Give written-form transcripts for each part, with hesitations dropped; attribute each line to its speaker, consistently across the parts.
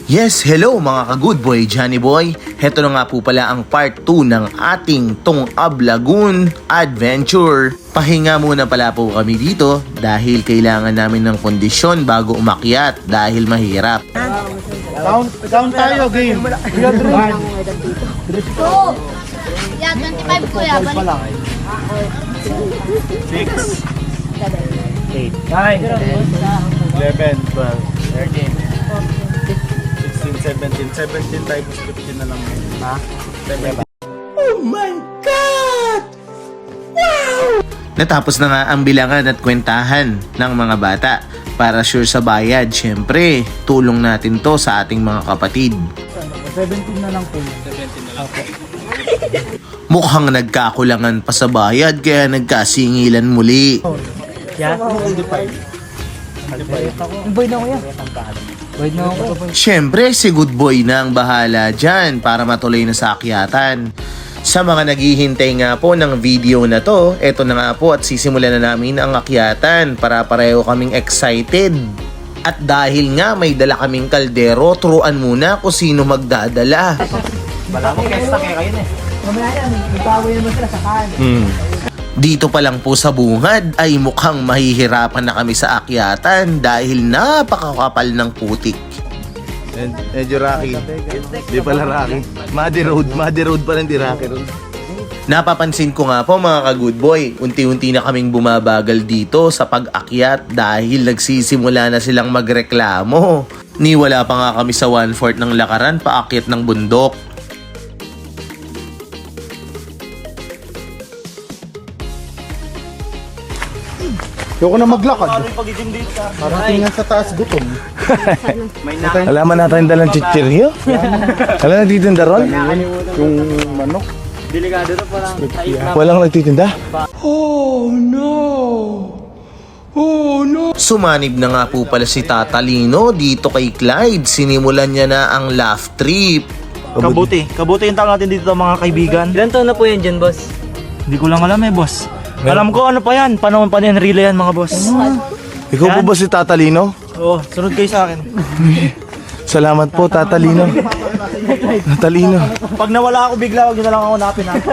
Speaker 1: Yes, hello mga ka-good boy, Johnny Boy. Heto na nga po pala ang part 2 ng ating Tongab Lagoon Adventure. Pahinga muna pala po kami dito dahil kailangan namin ng kondisyon bago umakyat dahil mahirap.
Speaker 2: Count tayo, game.
Speaker 3: Two. Yeah, 25 kuya. Balik.
Speaker 2: 6, 8, 9, 10, 11, 12, 13, 16, 17 times 15 na lang. Ha? 7.
Speaker 1: Natapos na nga ang bilangan at kwentahan ng mga bata. Para sure sa bayad, syempre, tulong natin to sa ating mga kapatid.
Speaker 2: 17 na lang po. 17 na lang po.
Speaker 1: Mukhang nagkakulangan pa sa bayad kaya nagkasingilan muli.
Speaker 2: Yeah? Boy na ako yan. Boy na ako.
Speaker 1: Syempre, si good boy na ang bahala dyan para matuloy na sa akyatan. Sa mga naghihintay nga po ng video na to, eto na nga po at sisimulan na namin ang akyatan para pareho kaming excited. At dahil nga may dala kaming kaldero, turuan muna kung sino magdadala.
Speaker 2: Bala mo, kesta kaya kayo na eh. Mamaya yan, nagpawin mo sila sa kan.
Speaker 1: Dito pa lang po sa bungad ay mukhang mahihirapan na kami sa akyatan dahil napakakapal ng putik.
Speaker 4: Medyo Rocky. Di pala Rocky. Muddy road pa lang di Rocky road.
Speaker 1: Napapansin ko nga po mga ka-good boy, unti-unti na kaming bumabagal dito sa pag-akyat dahil nagsisimula na silang magreklamo. Ni wala pa nga kami sa 1/4 ng lakaran paakyat ng bundok.
Speaker 4: Ayoko na maglakad. Parang tingnan sa taas gutom. Alaman natin dalang chichiryo. Alam nagtitinda ron? Yung manok.
Speaker 2: Delikado na parang tayo.
Speaker 4: Walang nagtitinda?
Speaker 1: Sumanib na nga po pala si Tata Lino dito kay Clyde. Sinimulan niya na ang laugh trip.
Speaker 2: Kabuti yung tawag natin dito mga kaibigan.
Speaker 5: Ilan taon na po yan dyan, boss?
Speaker 2: Hindi ko lang alam eh, boss. Alam ko ano pa yan, panahon pa ni Enrile yan mga boss.
Speaker 4: Ikaw po ba si Tatalino?
Speaker 2: Oo, sunod kayo sa akin.
Speaker 4: Salamat po Tatalino. Tatalino.
Speaker 2: Pag nawala ako bigla, wag nyo na lang ako napin ha.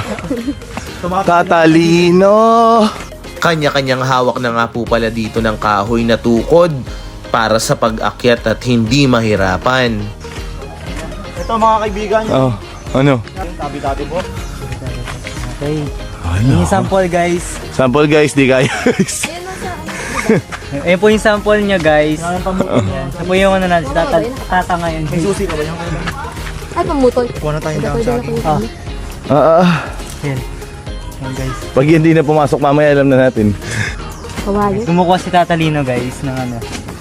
Speaker 4: Tatalino.
Speaker 1: Kanya-kanyang hawak na nga po pala dito ng kahoy na tukod para sa pag-akyat at hindi mahirapan.
Speaker 2: Ito mga kaibigan,
Speaker 4: Oh, ano?
Speaker 2: tabi-tabi po.
Speaker 5: Okay. Yung sample, guys.
Speaker 4: Sample guys, di kaya guys.
Speaker 5: Ayan po yung sample niya, guys.
Speaker 2: Ang pamukha niya.
Speaker 5: Ito po yung ano na, tata ngayon.
Speaker 2: May susi ka ba yung
Speaker 3: Ay, pamutol.
Speaker 2: kuha na tayong down sa akin.
Speaker 5: Ayan. Ayan, guys.
Speaker 4: Pag hindi na pumasok mamaya, alam na natin.
Speaker 3: Kawayan.
Speaker 5: Kumukuha si Tata Lino, guys, ng ano.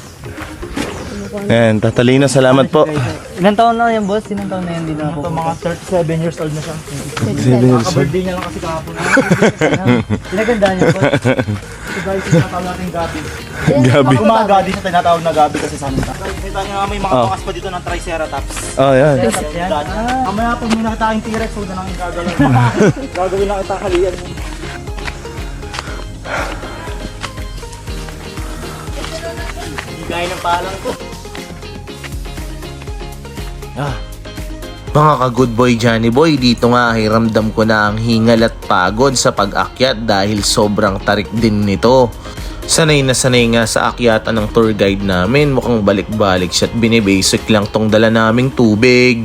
Speaker 4: Ayan, Tatalino, salamat po.
Speaker 5: Ilan taon na yan, boss? Ilan taon na yan? Hindi na ako.
Speaker 2: Ito mga 37 years old na siya.
Speaker 4: 7 years old.
Speaker 2: Ka-birthday niya lang kasi kahapon.
Speaker 5: Pinagandaan niya, boss.
Speaker 2: Ito guys, yung tinatawag natin gabi.
Speaker 4: Gabi.
Speaker 2: Pag umaga, di siya tinatawag na gabi kasi sa amin. Kita niyo nga may mga bakas pa dito ng Triceratops.
Speaker 4: Oh, yan.
Speaker 5: Yan.
Speaker 2: Mamaya pag may nakita kayong T-Rex, huwag na lang yung gagawin. Gagawin lang kita halian mo. Hindi gaya ng palang ko.
Speaker 1: Mga ka-good boy, Johnny Boy, dito nga ay ramdam ko na ang hingal at pagod sa pag-akyat dahil sobrang tarik din nito. Sanay na sanay nga sa akyatan ng tour guide namin, mukhang balik-balik siya at binibasic lang tong dala naming tubig.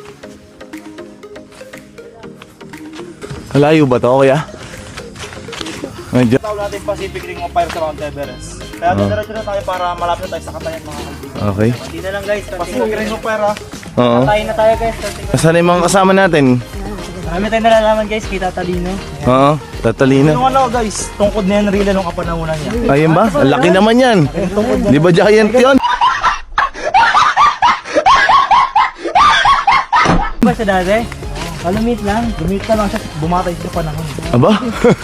Speaker 4: Malayo ba to, kuya? Medyo.
Speaker 2: Tawag natin Pacific Ring of Fire sa Mount Everest. Kaya diretso na tayo para malapit na tayo sa katayan mga kaibigan.
Speaker 4: Okay.
Speaker 5: Hindi na lang, guys.
Speaker 2: Pacific Ring of Fire
Speaker 4: Oo.
Speaker 5: Tayo na tayo, guys.
Speaker 4: Nasaan yung mga kasama natin?
Speaker 5: Marami tayong nalalaman, guys, kay Tata Lino.
Speaker 4: Oo, Tatalino.
Speaker 2: Yung ano guys, tungkod na yan Enrile nung kapanahunan niya.
Speaker 4: Ayun ba? Ang laki naman yan. Di ba giant yun?
Speaker 5: Ba siya dati? Lumit lang.
Speaker 2: Lumit na lang siya, bumatay sa panahon.
Speaker 4: Aba?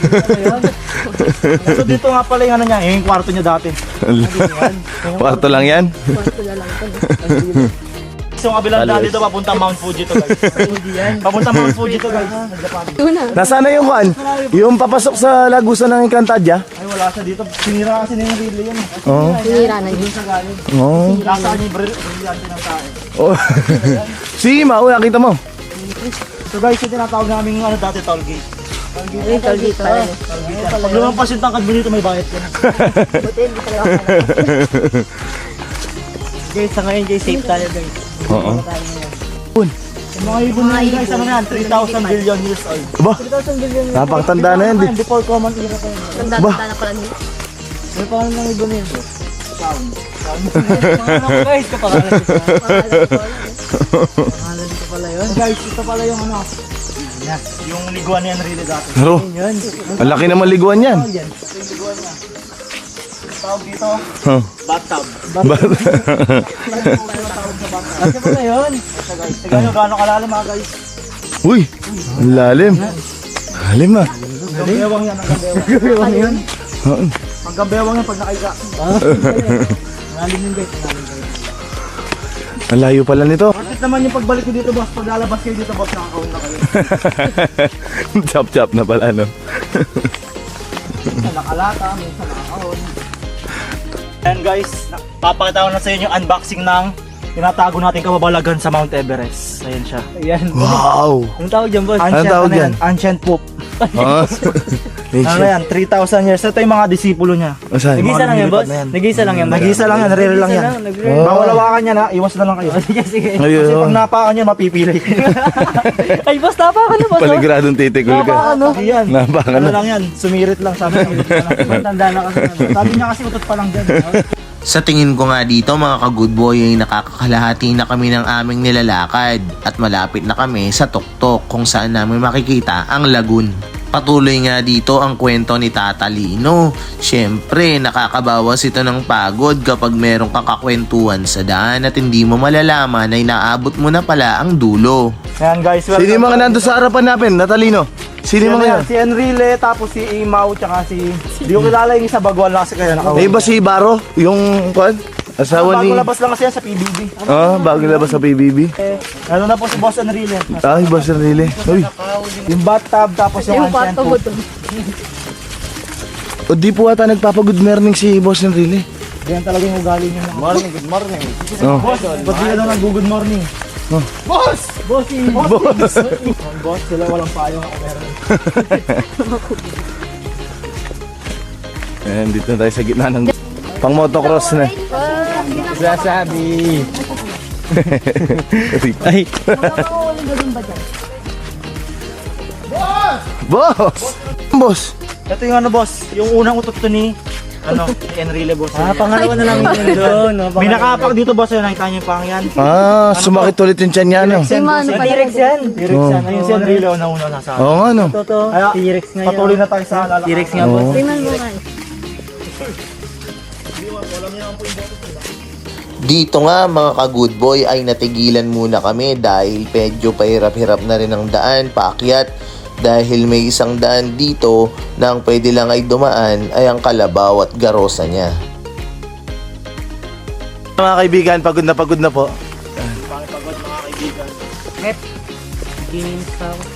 Speaker 2: So dito nga pala yung ano niya, yung kwarto niya dati.
Speaker 4: Kwarto lang yan?
Speaker 3: Kwarto na lang ito.
Speaker 2: Yung kabilang daan dito papuntang Mount Fuji to guys. Papuntang Mount Fuji to guys.
Speaker 3: Tuna.
Speaker 4: Nasaan na yung kuan? Yung papasok sa lagusan ng Encantadia?
Speaker 2: Ay wala siya dito. Sinira kasi na yung relay yan.
Speaker 4: Oo.
Speaker 3: Sinira na yun.
Speaker 4: Oo.
Speaker 2: Nasaan yung brilyante ng tae.
Speaker 4: Oh. Sige, Mau, nakita mo.
Speaker 2: So guys, yung tinatawag namin ano dati toll gate.
Speaker 3: Ay, tolgate pala.
Speaker 2: Pag lumampas yung tangkad mo dito may bayad ka na.
Speaker 3: Buti, hindi talaga ako.
Speaker 5: Guys, sa ngayon guys, safe tayo guys.
Speaker 4: Oo.
Speaker 2: Yung mga ibon na yun guys, ano na yan? 3,000 billion years old.
Speaker 4: Ba? Napakatanda na yan. Di.
Speaker 2: Before common era pa yun.
Speaker 3: Tanda-tanda na pala nila.
Speaker 2: May pangalan ng ibon yun.
Speaker 5: Guys, kapangalan ko.
Speaker 2: Pangalan ko pala yun. Guys, ito pala yung ano. Yes, yung liguan niyan really dati.
Speaker 4: Pero, ang laki naman liguan yan.
Speaker 2: Tawag dito,
Speaker 4: Huh.
Speaker 2: bathtub.
Speaker 5: Kasi pala yun.
Speaker 2: Tignan nyo gaano kalalim mga guys.
Speaker 4: Uy, ang lalim. Lalim ah.
Speaker 2: Hanggang bewang yan, hanggang bewang. Ano yun? Hanggang bewang yan pag nakaika. Malalim yun guys, malalim guys.
Speaker 4: Ang layo pala nito.
Speaker 2: Bakit naman yung pagbalik ko dito boss, pag lalabas kayo dito boss, nakakawin na kayo.
Speaker 4: Chop-chop na pala, no?
Speaker 2: Minsan nakalata, minsan nakakawin. And guys, papakita ko na sa inyo yung unboxing ng tinatago natin kababalagan sa Mount Everest. Ayan siya.
Speaker 5: Ayan.
Speaker 4: Wow!
Speaker 5: Anong tawag dyan, boss?
Speaker 4: Anong tawag
Speaker 2: ano
Speaker 4: yan?
Speaker 2: Ancient poop.
Speaker 4: Ah.
Speaker 2: Ano yan? 3,000 years. Ito yung mga disipulo niya.
Speaker 4: Saan?
Speaker 5: Nag-isa lang yan, boss?
Speaker 2: Lumilipad na yan.
Speaker 5: Nag-isa lang yan.
Speaker 2: Nag-isa lang yan, rare lang yan.
Speaker 4: Oh.
Speaker 2: Bawal hawakan niya na, iwas na lang kayo.
Speaker 5: Sige, sige.
Speaker 2: Kasi pag
Speaker 4: Ayun.
Speaker 2: napakan niya, mapipili.
Speaker 5: Ay, boss, tapa ka na, boss.
Speaker 4: Paligradong titikol ka.
Speaker 2: Yan.
Speaker 4: Napaka
Speaker 2: Ano
Speaker 4: na.
Speaker 2: lang yan, sumirit lang sabi niya.
Speaker 5: Tanda na kasi.
Speaker 2: Sabi niya kasi utot pa lang dyan.
Speaker 1: Sa tingin ko nga dito mga ka-good boy ay nakakakalahati na kami ng aming nilalakad at malapit na kami sa tuktok kung saan namin makikita ang lagoon. Patuloy nga dito ang kwento ni Tata Lino. Siyempre, nakakabawas ito ng pagod kapag merong kakakwentuhan sa daan at hindi mo malalaman ay naabot mo na pala ang dulo.
Speaker 2: Yan guys,
Speaker 4: Sino yung mga nandun sa harapan natin, Natalino? Sino yung mga yan?
Speaker 2: Si Enrile, tapos si Imao, tsaka si... Di ko kilala yung isa bagwal lang kasi kaya
Speaker 4: Eh,
Speaker 2: nakawin.
Speaker 4: ba si Baro? Yung, kuan? Asawa ni...
Speaker 2: Bago labas lang kasi yan sa PBB.
Speaker 4: Ah, bago labas sa PBB.
Speaker 2: Ano na po si Boss Enrile.
Speaker 4: Ay, ba si Rile? Uy,
Speaker 2: Yung bathtub, tapos yung
Speaker 3: Yung
Speaker 2: ancient
Speaker 3: pato mo
Speaker 2: poop.
Speaker 3: doon.
Speaker 4: o di po ata nagpapa-good morning si Boss ng Rile.
Speaker 2: Ganyan talaga yung ugali niya. Morning, good morning.
Speaker 4: Oh.
Speaker 2: Boss, ba't di na nag-good morning?
Speaker 4: Oh.
Speaker 2: Boss! Bossy!
Speaker 4: Boss!
Speaker 2: Boss, sila walang payong ako meron.
Speaker 4: Ayan, dito na tayo sa gitna ng... Pang motocross na.
Speaker 5: Sasabi. Ay.
Speaker 3: Makakauling ka din ba dyan?
Speaker 4: Boss! Boss!
Speaker 2: Ito yung ano boss, yung unang utot to ni Enrile boss.
Speaker 5: Pangalawa na lang yun doon.
Speaker 2: May nakapak dito boss, yun nakita niyo yung pang yan.
Speaker 4: Ah, sumakit ulit yung tiyan niya, no?
Speaker 3: Si Mano pala.
Speaker 5: T-Rex yan.
Speaker 2: T-Rex yan. Ayun si Enrile na una nasa.
Speaker 4: Oo nga, no?
Speaker 5: Totoo.
Speaker 2: Kaya,
Speaker 5: T-Rex nga yan.
Speaker 2: Patuloy na tayo sa lalakad.
Speaker 5: T-Rex nga, boss.
Speaker 3: Tingnan mo nga.
Speaker 1: Dito nga mga ka-good boy ay natigilan muna kami dahil medyo pahirap-hirap na rin ang daan paakyat dahil may isang daan dito na ang pwede lang ay dumaan ay ang kalabaw at garosa niya.
Speaker 4: Mga kaibigan, pagod na po.
Speaker 5: Ginis pa ako.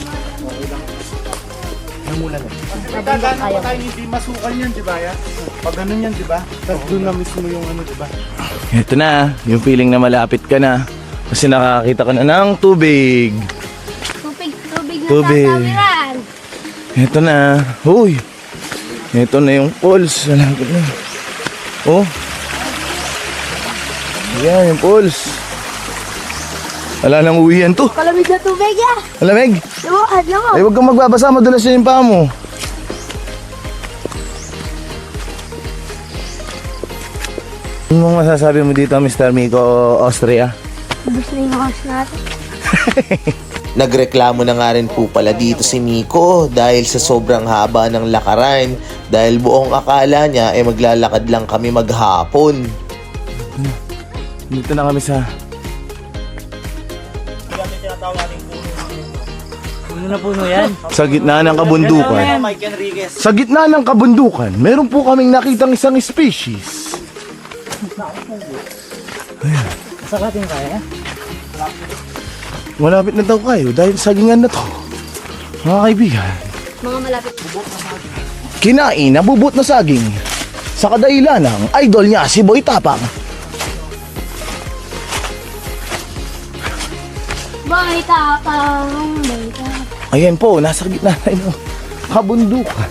Speaker 3: Ayaw.
Speaker 4: hindi masukan yan, di ba? Pag ganun yan, di ba? Tapos doon na mismo yung ano, di ba? Ito na, yung feeling na malapit ka na. Kasi nakakita ka na ng tubig.
Speaker 3: Tubig na
Speaker 4: Tubig.
Speaker 3: sasabiran.
Speaker 4: Ito na. Uy! Ito na yung pulse. Malapit na. Oh. Yan, yung pulse. Wala nang uwihan to.
Speaker 3: Kalamig na tubig ya.
Speaker 4: Malamig.
Speaker 3: Lumakad lang
Speaker 4: Ay, huwag kang magbabasa. Madulas yun yung paa mo. Ano mong masasabi mo dito, Mr. Miko, Austria?
Speaker 3: Ubus na yung house natin.
Speaker 1: Nagreklamo na nga rin po pala dito si Miko dahil sa sobrang haba ng lakaran dahil buong akala niya ay maglalakad lang kami maghapon.
Speaker 4: Dito na kami sa...
Speaker 2: Yan yung tinatawag natin puno.
Speaker 5: Puno na puno yan.
Speaker 4: Sa gitna ng kabundukan.
Speaker 2: Mike Enriquez.
Speaker 4: Sa gitna ng kabundukan, meron po kaming nakitang isang species.
Speaker 5: Sakatin kaya.
Speaker 4: Malapit na daw kayo dahil sagingan na to. Mga kaibigan.
Speaker 3: Mga malapit.
Speaker 4: Kinain na bubot na saging. Sa kadahilan ng idol niya si Boy Tapang.
Speaker 3: Boy tapang, boy tapang.
Speaker 4: Ayan po, nasa gitna na ito. Kabundukan.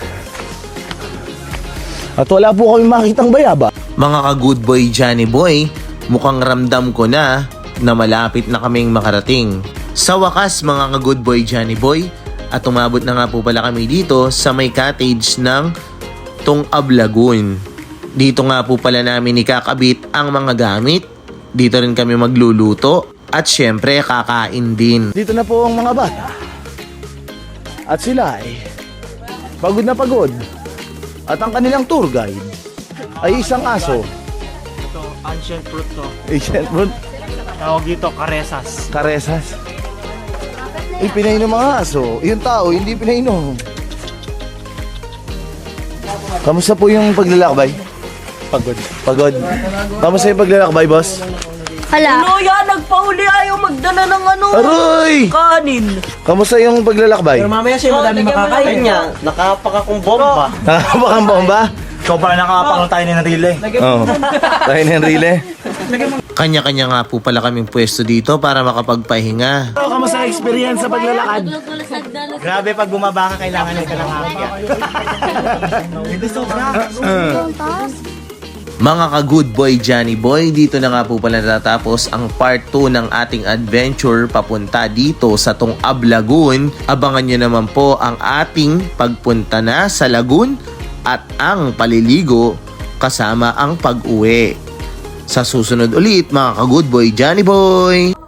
Speaker 4: At wala po kami makitang bayaba.
Speaker 1: Mga ka-good boy Johnny Boy, mukhang ramdam ko na malapit na kaming makarating. Sa wakas mga ka-good boy Johnny Boy, at umabot na nga po pala kami dito sa may cottage ng Tungab Lagoon. Dito nga po pala namin ikakabit ang mga gamit. Dito rin kami magluluto at syempre kakain din.
Speaker 4: Dito na po ang mga bata. At sila ay pagod na pagod. At ang kanilang tour guide ay isang aso.
Speaker 2: Ito, ancient fruit to.
Speaker 4: Asian fruit.
Speaker 2: Tawag dito, karesas.
Speaker 4: Karesas. Pinainom mga aso. Yung tao, hindi pinainom. Kamusta po yung paglalakbay? Pagod. Pagod. Kamusta yung paglalakbay, boss?
Speaker 3: Hala.
Speaker 5: Ano yan? Nagpahuli ayaw magdala ng ano?
Speaker 4: Aroy!
Speaker 5: Kanin.
Speaker 4: Kamusta yung paglalakbay?
Speaker 5: Mamaya siya madami makakain niya. Nakapak akong bomba.
Speaker 4: Nakakapakang bomba?
Speaker 2: Ikaw pala nakapakang tayo ni Narile.
Speaker 4: Oo. Tayo na yung rile.
Speaker 1: Kanya-kanya nga po pala kaming pwesto dito para makapagpahinga.
Speaker 4: Kamusta experience sa paglalakad?
Speaker 2: Grabe, pag bumaba ka, kailangan ka ng hangga. Hindi sobra.
Speaker 1: Mga ka-good boy Johnny Boy, dito na nga po pala natatapos ang part 2 ng ating adventure papunta dito sa Tungab Lagoon. Abangan nyo naman po ang ating pagpunta na sa lagoon at ang paliligo kasama ang pag-uwi. Sa susunod ulit mga ka-good boy Johnny Boy!